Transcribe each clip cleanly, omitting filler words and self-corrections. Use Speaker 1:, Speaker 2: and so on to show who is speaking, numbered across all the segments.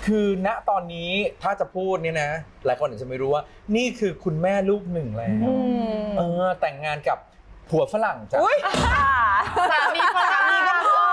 Speaker 1: คือณตอนนี้ถ้าจะพูดเนี่ยนะหลายคนอาจจะไม่รู้ว่านี่คือคุณแม่ลูกหนึ่งแล้วแต่งงานกับผัวฝรั่งจ้ะ
Speaker 2: สามีฝรั่งก็พอ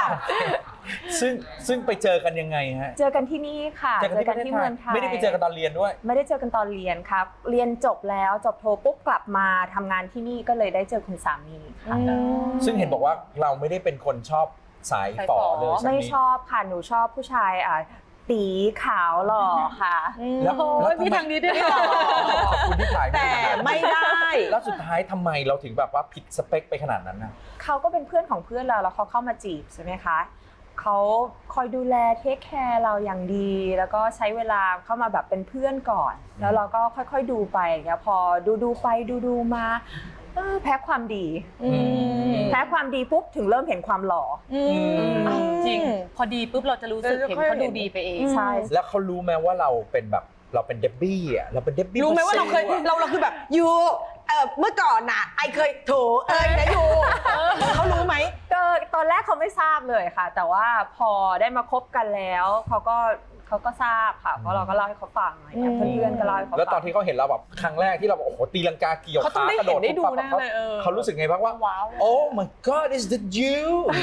Speaker 1: ซึ่งไปเจอกันยังไงฮะ
Speaker 3: เจอกันที่นี่ค่ะเจอกันที่เมืองไทย
Speaker 1: ไม่ได้ไปเจอกันตอนเรียนด้วย
Speaker 3: ไม่ได้เจอกันตอนเรียนครับเรียนจบแล้วจบโทปุ๊บกลับมาทำงานที่นี่ก็เลยได้เจอคุณสามีค่ะ
Speaker 1: ซึ่งเห็นบอกว่าเราไม่ได้เป็นคนชอบสายฝ่อเลย
Speaker 3: ไม่ชอบค่ะหนูชอบผู้ชายตีขาวหล่อค่ะ
Speaker 1: แล้ว
Speaker 2: พี่ทางนี้ด้วยหรอ
Speaker 1: ขอบคุณที่ถ่าย
Speaker 2: แต่ไม่ได้
Speaker 1: แล้วสุดท้ายทำไมเราถึงแบบว่าผิดสเปคไปขนาดนั้นนะ
Speaker 3: เขาก็เป็นเพื่อนของเพื่อนเราแล้วเขาเข้ามาจีบใช่ไหมคะเขาคอยดูแลเทคแคร์เราอย่างดีแล้วก็ใช้เวลาเข้ามาแบบเป็นเพื่อนก่อนแล้วเราก็ค่อยๆดูไปอย่างเงี้ยพอดูไปดูมาแพ้ความดีแพ้ความดีปุ๊บถึงเริ่มเห็นความหล่อ
Speaker 2: จริงพอดีปุ๊บเราจะรู้สึกเห็นเขาดูดีไปเอง
Speaker 3: ใช่
Speaker 1: แล้วเขารู้ไหมว่าเราเป็นแบบเราเป็นเดบบี้อ่ะเราเป็นเดบบี้
Speaker 4: รู้ไหมว่าเราเคยเราคือแบบยูเมื่อก่อนน่ะไอเคยโถนะยูเขารู้ไหม
Speaker 3: ก็ตอนแรกเขาไม่ทราบเลยค่ะแต่ว่าพอได้มาคบกันแล้วเขาก็ทราบค่ะเพราะเราก็เล่าให้เขาฟังอะไรเงี้ยเพื่อนๆก็เล่าให้เขาฟัง
Speaker 1: แล้วตอนที่เขาเห็นเราแบบครั้งแรกที่เราโอ้โหตีลังกาเกี่ยวขากระโดด
Speaker 4: ได้ดูแน่เลย
Speaker 1: เขารู้สึกไงบ้างว่าว้าว Oh my God is that you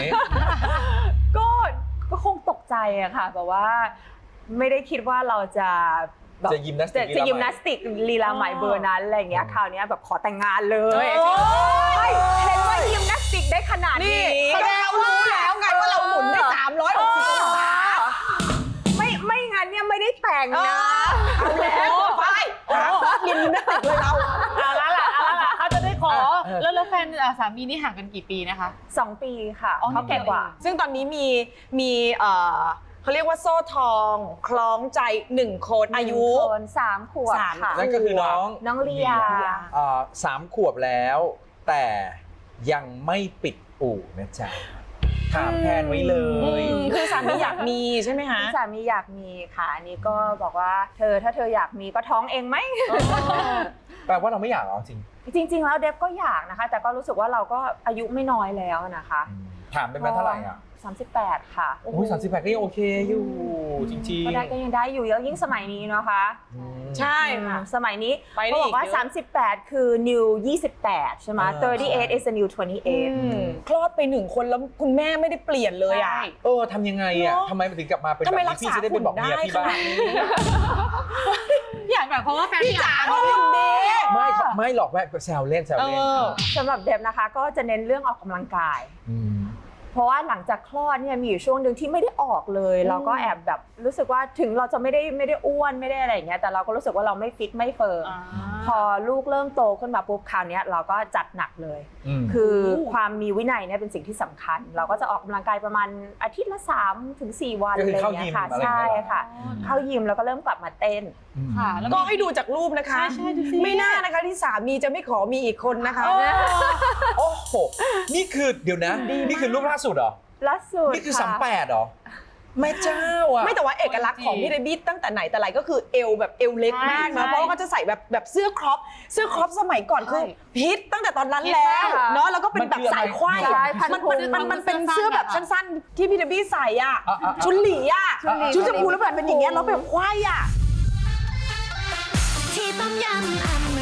Speaker 3: ก็คงตกใจอะค่ะแบบว่าไม่ได้คิดว่าเราจะ
Speaker 1: ยิมนาส
Speaker 3: ติกลีลาใหม่เบอร์นั้นอะไรเงี้ยคราวนี้แบบขอแต่งงานเลยเห็นว่ายิมนาสติกได้ขนาดนี้
Speaker 4: แสดงว่ารู้แล้วไงว่าเราหมุนได้360องศา
Speaker 3: ไม่งั้นเนี่ยไม่ได้แต่งนะ
Speaker 4: เอาแล้วไปยิมนาสติกเลยเรา
Speaker 2: เอาละเขาจะได้ขอแล้วแฟนสามีนี่ห่างกันกี่ปีนะคะ
Speaker 3: 2 ปีค่ะเขาแก่กว่า
Speaker 4: ซึ่งตอนนี้มีเขาเรียกว่าโซ่ทองคล้องใจ1 คนอายุ
Speaker 3: 3 ขวบค่ะ
Speaker 1: นั่นก็คือน้อง
Speaker 3: เลีย
Speaker 1: 3 ขวบแล้วแต่ยังไม่ปิดอู่นะจ๊ะถามแทนไว้เลย
Speaker 4: คือสามีอยากมีใช่ไหมคะ
Speaker 3: สามีอยากมีค่ะอันนี้ก็บอกว่าถ้าเธออยากมีก็ท้องเองไหม
Speaker 1: แปลว่าเราไม่อยากหรอ
Speaker 3: จริงแล้วเดฟก็อยากนะคะแต่ก็รู้สึกว่าเราก็อายุไม่น้อยแล้วนะคะ
Speaker 1: ถามเป็นเท่าไหร่อ่ะ
Speaker 3: 38ค่ะ
Speaker 1: โอ้ย38ก็ยังโอเคอยู่จริงๆ
Speaker 3: ก็ยังได้อยู่แล้วยิ่งสมัยนี้นะคะ
Speaker 4: ใช่ค่ะ
Speaker 3: สมัยนี้เขาบอกว่า38คือ new 28ใช่ไหม38 is a new 28
Speaker 4: คลอดไป1 คนแล้วคุณแม่ไม่ได้เปลี่ยนเลยอ่ะ
Speaker 1: ทำยังไงอ่ะทำไมมันถึงกลับมาเป็นแบบนี้พี่จะได้ไปบอกเมียพี่บ้าง
Speaker 2: อยากแบบเพราะว่าแฟน
Speaker 4: พี่จ๋าเขาทำดี
Speaker 1: ไม่หรอกแม่แซวเล่น
Speaker 3: สำหรับเดฟนะคะก็จะเน้นเรื่องออกกำลังกายเพราะว่าหลังจากคลอดเนี่ยมีอยู่ช่วงหนึ่งที่ไม่ได้ออกเลยเราก็แอบแบบรู้สึกว่าถึงเราจะไม่ได้อ้วนไม่ได้อะไรอย่างเงี้ยแต่เราก็รู้สึกว่าเราไม่ฟิตไม่เฟิร์มพอลูกเริ่มโตขึ้นมาปุ๊บคราวนี้เราก็จัดหนักเลยคือความมีวินัยเนี่ยเป็นสิ่งที่สำคัญเราก็จะออกกำลังกายประมาณอาทิตย์ละ3 ถึง 4 วันอะไรอย่างเงี้ยค่ะใช่ค่ะเข้ายิมแล้วก็เริ่มกลับมาเต้น
Speaker 4: ค่ะก็ให้ดูจากรูปนะคะไม่น่านะคะที่สามีจะไม่ขอมีอีกคนนะคะ
Speaker 1: โอ้โหนี่คือเดี๋ยวนะนี่คือรูปล่าสุดเหรอ
Speaker 3: ล่าสุด
Speaker 1: นี่คือ38เหรอแม่เจ้าอ่ะ
Speaker 4: ไม่แต่ว่าเอกลักษณ์ของพี่เดบี้ตั้งแต่ไหนแต่ไรก็คือเอวแบบเอวเล็กมากนะเพราะว่าเขาจะใส่แบบเสื้อครอปสมัยก่อนคือฮิตตั้งแต่ตอนนั้นแล้วเนาะแล้วก็เป็นแบบสายควายมันเป็นเสื้อแบบสั้นๆที่พี่เดบี้ใส่อ่ะชุดหลีอ่ะชุดชมพูแล้วแบบเป็นอย่างเงี้ยแล้วแบบควายอ่ะ
Speaker 5: ที่ต้มยำ